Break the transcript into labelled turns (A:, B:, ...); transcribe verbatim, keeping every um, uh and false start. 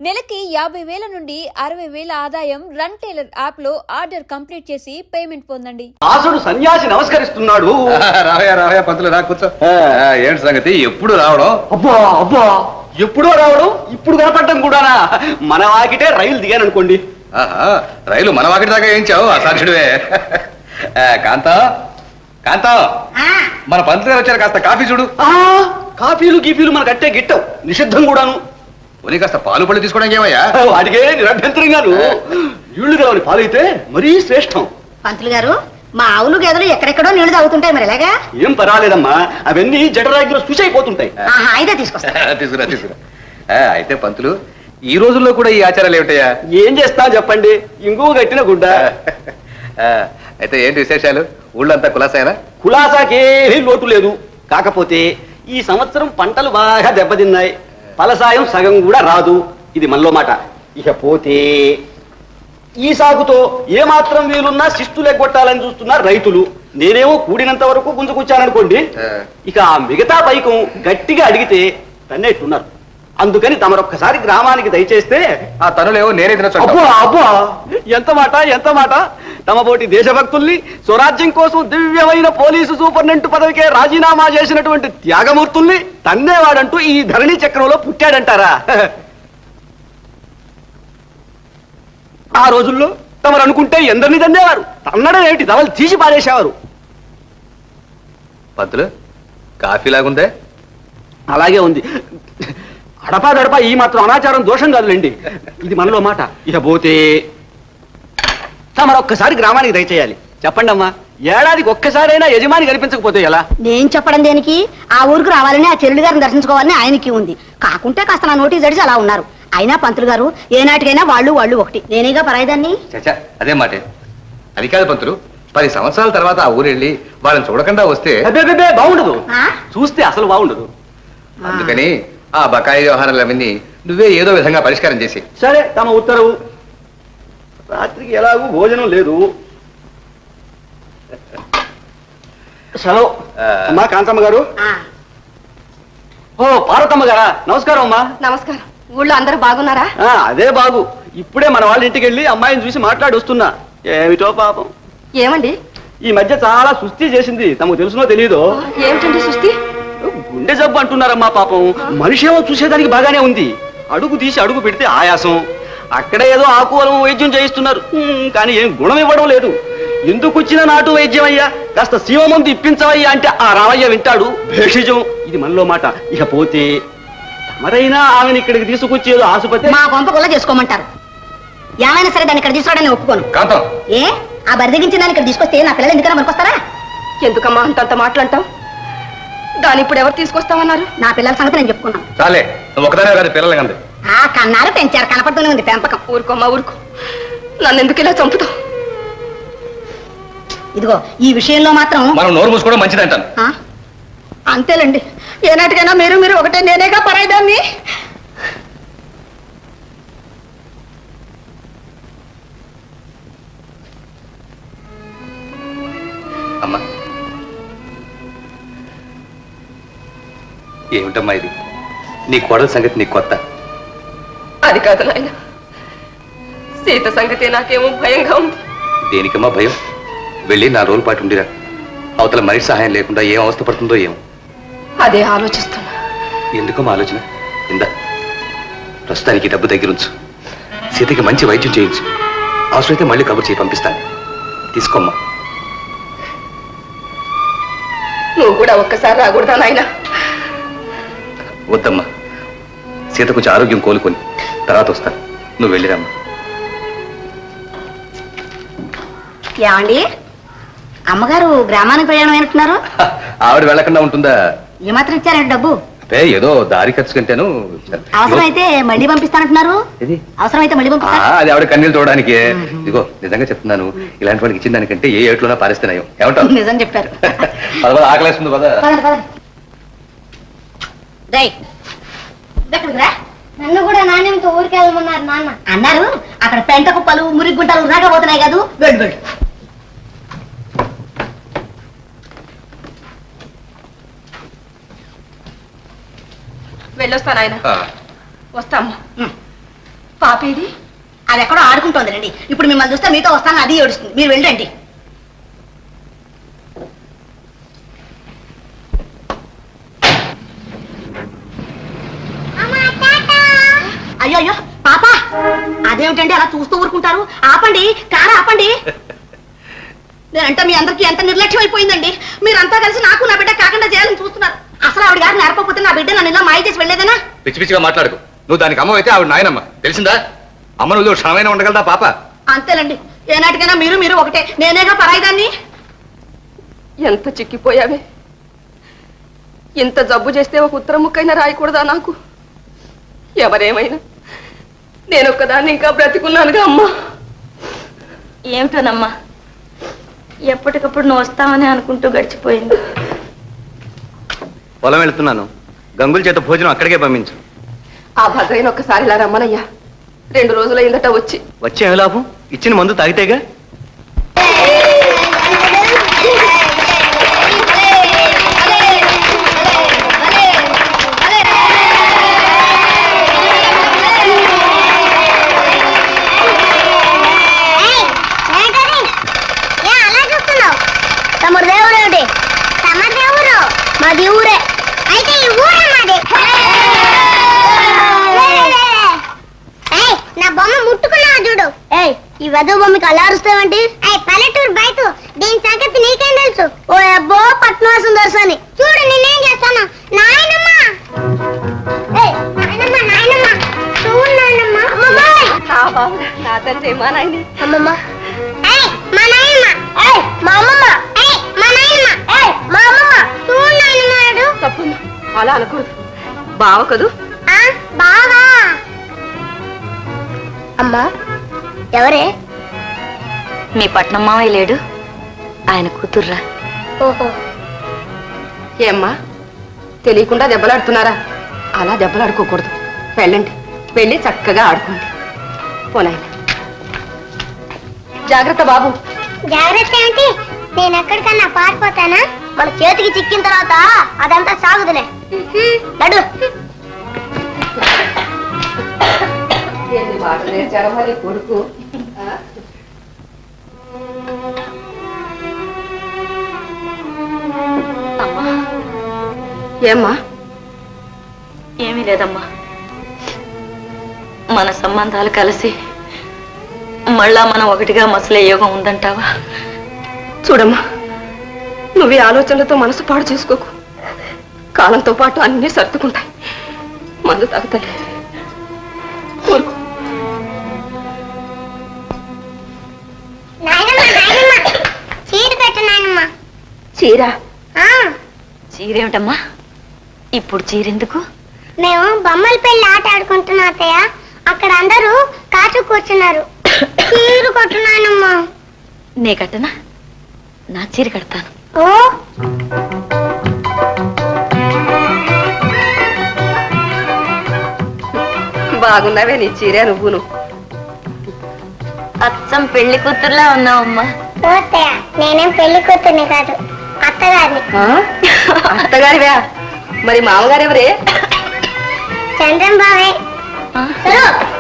A: నెలకి యాభై వేల నుండి అరవై వేల ఆదాయం రన్ టైలర్ యాప్ లో ఆర్డర్ కంప్లీట్ చేసి పేమెంట్ పొందండి.
B: ఆసుడు సన్యాసి నమస్కరిస్తున్నాడు.
C: రావయా రావయా పంతులు రా కూర్చో. ఏంటి సంగతి, ఎప్పుడు రావడం?
B: అబ్బా అబ్బా ఎప్పుడో రావడం, ఇప్పుడు కనపడటం కూడానా? మన వాకిటే రైలు దిగాను అనుకోండి.
C: ఆహా, రైలు మన వాకిటి దాకా ఏంచావు అసాధ్యుడివే. కాంతం కాంతం, మన పంతులు గారు వచ్చారు, కాస్త కాఫీ చూడు.
B: ఆ కాఫీలు గీఫీలు మనకు అట్టే గిట్టవు, నిషిద్ధం కూడాను.
C: పోనీ కాస్త పాలు పళ్ళు తీసుకోవడం ఏమయ్యా?
B: వాటికే నిరభ్యంతరంగాను. నీళ్లు కావాలి, పాలైతే మరీ శ్రేష్టం.
D: పంతులు గారు, మా ఆవులు గేదెలు ఎక్కడెక్కడో నీళ్లు తాగుతుంటాయి, మరి ఎలాగా?
B: ఏం పర్వాలేదమ్మా, అవన్నీ జఠరాగ్గిలో స్విచ్ అయిపోతుంటాయి.
D: అయితే తీసుకొస్తా.
C: తీసుకురా తీసుకురా. అయితే పంతులు, ఈ రోజుల్లో కూడా ఈ ఆచారాలు ఏమిటయ్యా?
B: ఏం చేస్తా చెప్పండి, ఇంకో గట్టిన గుడ్డ.
C: అయితే ఏంటి విశేషాలు? ఊళ్ళంతా కులాసాయనా?
B: కులాసాకేమీ లోటు లేదు. కాకపోతే ఈ సంవత్సరం పంటలు బాగా దెబ్బతిన్నాయి, ఫలసాయం సగం కూడా రాదు. ఇది మనలో మాట. ఇక పోతే ఈ సాగుతో ఏమాత్రం వీలున్నా శిస్తులు ఎగ్గొట్టాలని చూస్తున్నారు రైతులు. నేనేమో కూడినంత వరకు గుంజుకొచ్చాననుకోండి, ఇక ఆ మిగతా పైకం గట్టిగా అడిగితే తన్నేట్టున్నారు. అందుకని తమరొక్కసారి గ్రామానికి దయచేస్తే.
C: ఆ తనులేవో నేనే తినొచ్చు.
B: అబ్బా అబ్బా, ఎంత మాట ఎంత మాట. తమ పోటీ దేశభక్తుల్ని, స్వరాజ్యం కోసం దివ్యమైన పోలీసు సూపరింటెండెంట్ పదవికే రాజీనామా చేసినటువంటి త్యాగమూర్తుల్ని తన్నేవాడంటూ ఈ ధరణి చక్రంలో పుట్టాడంటారా? ఆ రోజుల్లో తమరు అనుకుంటే ఎందరిని తన్నేవారు, తన్నడం ఏమిటి, తమలు తీసి పారేసేవారు.
C: పంతులు, కాఫీ లాగుందే?
B: అలాగే ఉంది. అడపా దడపా ఈ మాత్రం అనాచారం దోషం కాదులేండి, ఇది మనలో మాట. ఇక పోతే మరొక్కసారి గ్రామానికి దయచేయాలి. చెప్పండి అమ్మా, ఏడాదికి ఒక్కసారైనా యజమాని కనిపించకపోతే ఎలా?
D: నేను చెప్పడం దేనికి? ఆ ఊరికి రావాలని, ఆ చెల్లి గారిని దర్శించుకోవాలని ఆయనకి ఉంది. కాకుంటే కాస్త నా నోటీస్ జడిచి అలా ఉన్నారు. అయినా పంతులు గారు, ఏనాటికైనా వాళ్ళు వాళ్ళు ఒకటి. నేనేగా పరాయిదాన్ని.
C: చచ్చా, అదే మాటే. అది కాదు పంతులు, పది సంవత్సరాల తర్వాత ఆ ఊరు వెళ్ళి వాళ్ళని చూడకుండా వస్తే
B: అబ్బే బాగుండదు, చూస్తే అసలు బాగుండదు.
C: అందుకని ఆ బకాయి వ్యవహారాలన్నీ నువ్వే ఏదో విధంగా పరిష్కారం చేసి.
B: సరే, తమ ఉత్తరవు. రాత్రికి ఎలాగూ భోజనం లేదు. సెలవు. అమ్మా కాంతమ్మ గారు. ఓ పార్వతమ్మ గారా, నమస్కారం అమ్మా.
D: నమస్కారం. ఊళ్ళో అందరూ బాగున్నారా?
B: అదే బాగు. ఇప్పుడే మన వాళ్ళ ఇంటికి వెళ్ళి అమ్మాయిని చూసి మాట్లాడి వస్తున్నా. ఏమిటో పాపం.
D: ఏమండి?
B: ఈ మధ్య చాలా సుస్థి చేసింది, తమకు తెలుసునో తెలియదో.
D: ఏమిటండి సుస్థి?
B: గుండె జబ్బు అంటున్నారమ్మా పాపం. మనిషి ఏమో చూసేదానికి బాగానే ఉంది, అడుగు తీసి అడుగు పెడితే ఆయాసం. అక్కడ ఏదో ఆకువలం వైద్యం చేయిస్తున్నారు, కానీ ఏం గుణం ఇవ్వడం లేదు. ఎందుకు వచ్చిన నాటు వైద్యం అయ్యా, కాస్త శివ మందు ఇప్పించవయ్యా అంటే ఆ రామయ్య వింటాడు. భేషజం. ఇది మనలో మాట. ఇక పోతే తమరైనా ఆమెను ఇక్కడికి తీసుకొచ్చి ఏదో ఆసుపత్రి.
D: మా గొంప కొల్ల చేసుకోమంటారు. ఏమైనా సరే దాన్ని ఇక్కడ తీసుకోవడానికి ఒప్పుకోను.
C: కాంతం,
D: ఏ ఆ బరిదగించిన దాన్ని ఇక్కడ తీసుకొస్తే నా పిల్లలు ఎందుకన్నా మనకొస్తారా?
E: ఎందుకమ్మా అంతంత మాటలంటావు? దాని ఇప్పుడు ఎవరు తీసుకొస్తామన్నారు?
D: నా పిల్లల సంగతి నేను చెప్పుకున్నాను.
C: చాలే, నువ్వు ఒకదానే కాదు, పిల్లలు కంది.
D: ఆ కన్నారు, పెంచారు, కనపడుతూనే ఉంది పెంపకం.
E: ఊరుకోమ్మా ఊరుకో, నన్ను ఎందుకు ఇలా చంపుతావు?
D: ఇదిగో ఈ విషయంలో మాత్రం
C: మనం నోరు మూసుకోవడం మంచిది అంటాను.
D: అంతేలేండి. ఏనాటికైనా మీరు మీరు ఒకటే, నేనేగా పరాయిదాన్ని.
C: అమ్మా, ఏమిటమ్మా ఇది? నీ కోడల సంగతి నీకు కొత్త?
E: అది కాదు నాయన, సీత సంగతి నాకేమో భయంగా ఉంది.
C: దేనికమ్మా భయం? వెళ్ళి నా రోజుల పాటు ఉండిరా. అవతల మనిషి సహాయం లేకుండా ఏం అవస్థ పడుతుందో ఏమో.
E: అదే ఆలోచిస్తున్నా.
C: ఎందుకమ్మా ఆలోచన? ఇందా, ప్రస్తుతానికి డబ్బు దగ్గరుంచు. సీతకి మంచి వైద్యం చేయించు. అవసరమైతే మళ్ళీ కబురు చేయి పంపిస్తాను. తీసుకోమ్మా.
E: నువ్వు కూడా ఒక్కసారి రాకూడదా నాయన?
C: వద్దమ్మా, సీత కొంచెం ఆరోగ్యం కోలుకొని తర్వాత వస్తాను. నువ్వు వెళ్ళిరమ్మా.
D: ఏమండి, అమ్మగారు గ్రామానికి ప్రయాణం అయినట్టున్నారు.
C: ఆవిడ వెళ్ళకుండా ఉంటుందా?
D: ఏమాత్రం ఇచ్చారండి డబ్బు?
C: అంటే ఏదో దారి ఖర్చు కంటేను.
D: అవసరమైతే మళ్ళీ పంపిస్తానంటున్నారు. అవసరమైతే మళ్ళీ పంపిస్తా.
C: అది ఆవిడ కన్నీళ్ళు చూడడానికి. ఇదిగో నిజంగా చెప్తున్నాను, ఇలాంటి వాడికి ఇచ్చిన దానికంటే ఏ ఏట్లోనా పారేస్తున్నాయో. ఏమంటావు?
D: నిజం చెప్పారు.
C: పద ఆకలేస్తుంది కదా.
D: నన్ను కూడా నాణ్యంతో ఊరికి వెళ్ళమన్నారు నాన్న. అన్నారు, అక్కడ పెంట కుప్పలు మురికి గుంటలు రాకపోతున్నాయి కాదు. వెళ్ళు వెళ్ళు.
E: వెళ్ళొస్తాను ఆయన. వస్తామ్మా. పాపేది
D: అది ఎక్కడో ఆడుకుంటోంది రండి. ఇప్పుడు మిమ్మల్ని చూస్తే మీతో వస్తాను, అది ఏడుస్తుంది. మీరు వెళ్ళండి. అయ్యో అయ్యో పాప, అదేమిటండి అలా చూస్తూ ఊరుకుంటారు? ఆపండి, కారు ఆపండి. నేనంటే మీ అందరికీ ఎంత నిర్లక్ష్యం అయిపోయిందండి. మీరంతా కలిసి నాకు నా బిడ్డ కాకుండా చేయాలని చూస్తున్నారు. అసలు ఆవిడ గారు నేర్పకపోతే నా బిడ్డ నన్ను ఇలా మాయ చేసి వెళ్ళేదనా?
C: పిచ్చి పిచ్చిగా మాట్లాడుకు. నువ్వు దానికి అమ్మ అయితే ఆవిడ నాయనమ్మ, తెలిసిందా? అమ్మ నువ్వు క్షణమైనా ఉండగలదా పాప?
D: అంతేనండి, ఏనాటికైనా మీరు మీరు ఒకటే. నేనేగా పరాయిదాన్ని.
E: ఎంత చిక్కిపోయావే. ఇంత జబ్బు చేస్తే ఒక ఉత్తరం ముక్కైనా రాయకూడదా నాకు? ఎవరేమైనా నేను ఒక్కదాన్ని ఇంకా బ్రతికున్నానుగా అమ్మా.
F: ఏమిటోనమ్మా, ఎప్పటికప్పుడు నువ్వు వస్తావని అనుకుంటూ గడిచిపోయింది.
C: పొలం వెళ్తున్నాను, గంగుల చేత భోజనం అక్కడికే పంపించు.
E: ఆ భద్రైన ఒక్కసారి ఇలా రమ్మనయ్యా. రెండు రోజులైందట వచ్చి.
C: వచ్చే ఏమి లాభం? ఇచ్చిన మందు తాగితేగా.
G: తమరు దేవుడు ఏమిటి? తమ దేవుడు మాది ఊరే. అయితే ఈ ఊరే మాది. నా బొమ్మ ముట్టుకున్నావు చూడు. ఏయ్, ఈ వెద బొమ్మకి అలా అరుస్తావంటి? పల్లెటూరు బయట దీని సంగతి నీకేం తెలుసు? ఓ అబ్బో పట్నవాసం దర్శని చూడు, నేనేం చేస్తాను. నాయనమ్మ, నాయనమ్మ, నాయనమ్మ, చూడు నాయనమ్మ. అమ్మమ్మ,
E: నా తండ్రి మా నాయని.
G: అమ్మమ్మ, మా నాయనమ్మ, మా అమ్మమ్మ, మా నాయనమ్మ, మా అమ్మమ్మ, చూడు నాయనమ్మ.
E: తప్పమ్మా, అలా అనకూడదు. బావ కదూ?
G: బావా. అమ్మా, ఎవరే?
F: మీ పట్నం మావయ్య లేడు, ఆయన కూతుర్రా.
G: ఓహో,
E: ఏమ్మా తెలియకుండా దెబ్బలాడుతున్నారా? అలా దెబ్బలాడుకోకూడదు. వెళ్ళండి, వెళ్ళి చక్కగా ఆడుకోండి. పోనాయన జాగ్రత్త బాబు.
G: జాగ్రత్త ఏంటి? నేను ఎక్కడికన్నా పారిపోతానా? మన చేతికి చిక్కిన తర్వాత అదంతా సాగుదులే. నడు.
E: ఎన్ని మాటలు నేర్చారో మరి కొడుకు.
F: అమ్మా,
E: ఏమ్మా?
F: ఏమీ లేదమ్మా. మన సంబంధాలు కలిసి మళ్ళా మనం ఒకటిగా మసలే యోగం ఉందంటావా?
E: చూడమ్మా, నువ్వు ఈ ఆలోచనలతో మనసు పాడు చేసుకోకు. కాలంతో పాటు అన్నీ సర్దుకుంటాయి. మందు తాగుతాయి. ఊరుకో.
G: నాయనమ్మ, నాయనమ్మ, చీర పెట్టు నాయనమ్మ.
E: చీర?
G: ఆ,
F: చీరేమిటమ్మా? ఇప్పుడు చీరెందుకు?
G: మేము బొమ్మల పెళ్లి ఆట ఆడుకుంటున్నా అత్తయ్య. అక్కడ అందరూ కాచు కూర్చున్నారు. చీర కొట్టు నాయనమ్మ.
F: నే కట్టనా? నా చీర కడతాను.
G: ఓ,
E: బాగున్నావే నీ చీరే నువ్వును.
F: అచ్చం పెళ్లి కూతుర్లా ఉన్నావమ్మా.
G: ఓ అత్తయ్య, నేనేం పెళ్లి కూతుర్ని కాదు, అత్తగారిని.
E: అత్తగారివా? మరి మామగారెవరే?
G: చంద్రం బావే.
F: ఆ?
G: సరు,